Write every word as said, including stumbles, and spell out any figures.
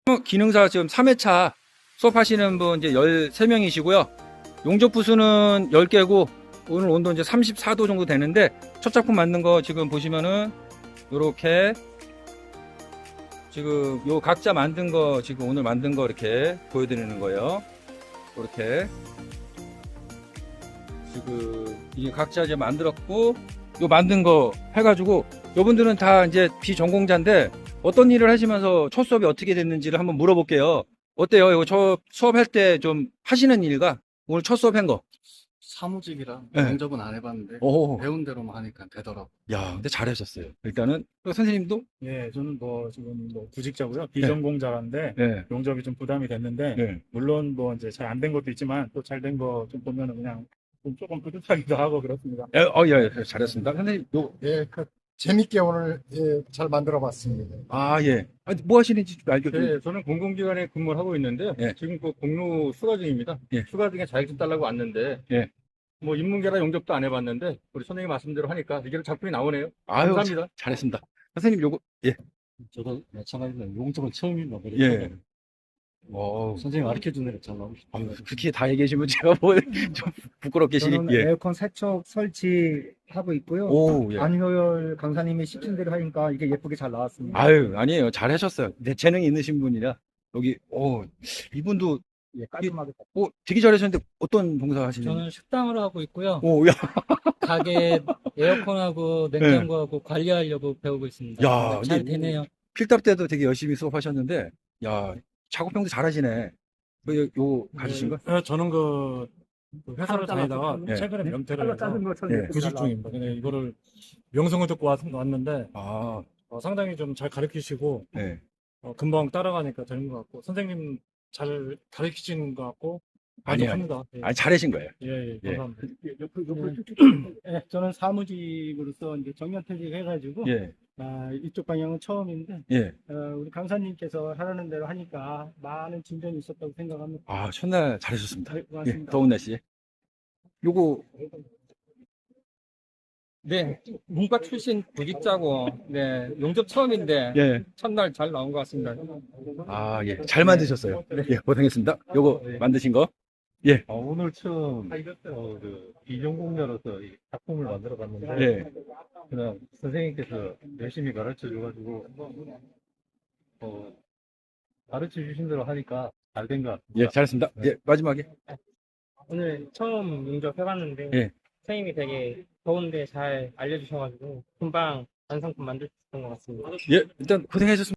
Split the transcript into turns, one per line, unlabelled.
기능사 지금 삼 회차 수업하시는 분 이제 열세 명이시고요. 용접 부수는 열 개고 오늘 온도 이제 삼십사 도 정도 되는데 첫 작품 만든 거 지금 보시면은 요렇게 지금 요 각자 만든 거 지금 오늘 만든 거 이렇게 보여드리는 거예요. 이렇게 지금 이게 각자 이제 만들었고 요 만든 거 해가지고 요분들은 다 이제 비전공자인데 어떤 일을 하시면서 첫 수업이 어떻게 됐는지를 한번 물어볼게요. 어때요? 이거 저 수업할 때 좀 하시는 일과 오늘 첫 수업 한 거.
사무직이라
네.
면접은 안 해봤는데
오,
배운 대로만 하니까 되더라고.
야, 근데 잘하셨어요. 일단은 선생님도
예, 저는 뭐 지금 뭐 구직자고요. 비전공자인데
네,
용접이 좀 부담이 됐는데
네.
물론 뭐 이제 잘 안 된 것도 있지만 또 잘 된 거 좀 보면은 그냥 좀 조금 뿌듯하기도 하고 그렇습니다.
예, 어, 예, 예, 잘했습니다. 선생님, 요,
예, 그 재밌게 오늘 예, 잘 만들어 봤습니다.
아, 예. 아, 뭐 하시는지 좀 알겠어요.
네, 저는 공공기관에 근무를 하고 있는데
예.
지금 그 공로 수가 중입니다.
예.
수가 중에 자격증 따려고 왔는데
예.
뭐 인문계라 용접도 안 해봤는데 우리 선생님 말씀대로 하니까 이게 작품이 나오네요.
아유,
감사합니다.
자- 잘했습니다. 선생님, 요거, 예.
저도 마찬가지로 용접은 처음이라 그래서
예. 어,
선생님 가르쳐준 대로 잘 나오고
아,
싶어요.
그렇게 다 얘기해주면 제가 뭐, 좀 부끄럽게 시,
저는
예.
에어컨 세척 설치하고 있고요.
오, 예.
안효열 강사님이 시킨 대로 하니까 이게 예쁘게 잘 나왔습니다.
아유, 아니에요. 잘하셨어요. 내 재능이 있으신 분이라. 여기, 오, 이분도,
예, 깔끔하게.
오, 되게 잘하셨는데 어떤 봉사 하시는지.
저는 식당을 하고 있고요.
오, 야,
가게 에어컨하고 냉장고하고 관리하려고 배우고 있습니다.
야,
네, 잘
근데
되네요.
필답 때도 되게 열심히 수업하셨는데, 야, 작업병도 잘하시네. 뭐, 요, 요 가지신 거?
예, 저는 그, 그 회사를 다니다가
예.
최근에 명퇴를 해서
작은 것처럼
예.
이렇게
구직
잘
중입니다. 근데 이거를 명성을 듣고 왔, 왔는데
아,
어, 상당히 좀 잘 가르치시고
네.
어, 금방 따라가니까 되는 것 같고 선생님 잘 가르치시는 것 같고
아니요,
만족합니다. 예,
아니, 잘하신 거예요.
예, 예,
예.
감사합니다.
옆으로, 옆으로 쭉쭉. 예, 저는 사무직으로서 이제 정년퇴직 해가지고
예,
아, 이쪽 방향은 처음인데
예.
어, 우리 강사님께서 하라는 대로 하니까 많은 진전이 있었다고 생각합니다.
아, 첫날 잘하셨습니다.
네,
예,
고맙습니다.
더운 날씨에. 요거,
네, 문과 출신 구직자고, 네, 용접 처음인데,
예.
첫날 잘 나온 것 같습니다.
아, 예. 잘 만드셨어요. 예, 고생했습니다. 요거 만드신 거. 예.
어, 오늘 처음 어, 그 비전공자로서 이 작품을 만들어 봤는데
예.
그냥 선생님께서 열심히 가르쳐 줘가지고 어, 가르쳐 주신 대로 하니까 잘 된 것 같습니다.
예, 잘했습니다. 예, 마지막에.
오늘 처음 용접 해봤는데
예.
선생님이 되게 더운데 잘 알려주셔가지고 금방 완성품 만들 수 있었던 것 같습니다.
예, 일단 고생하셨습니다.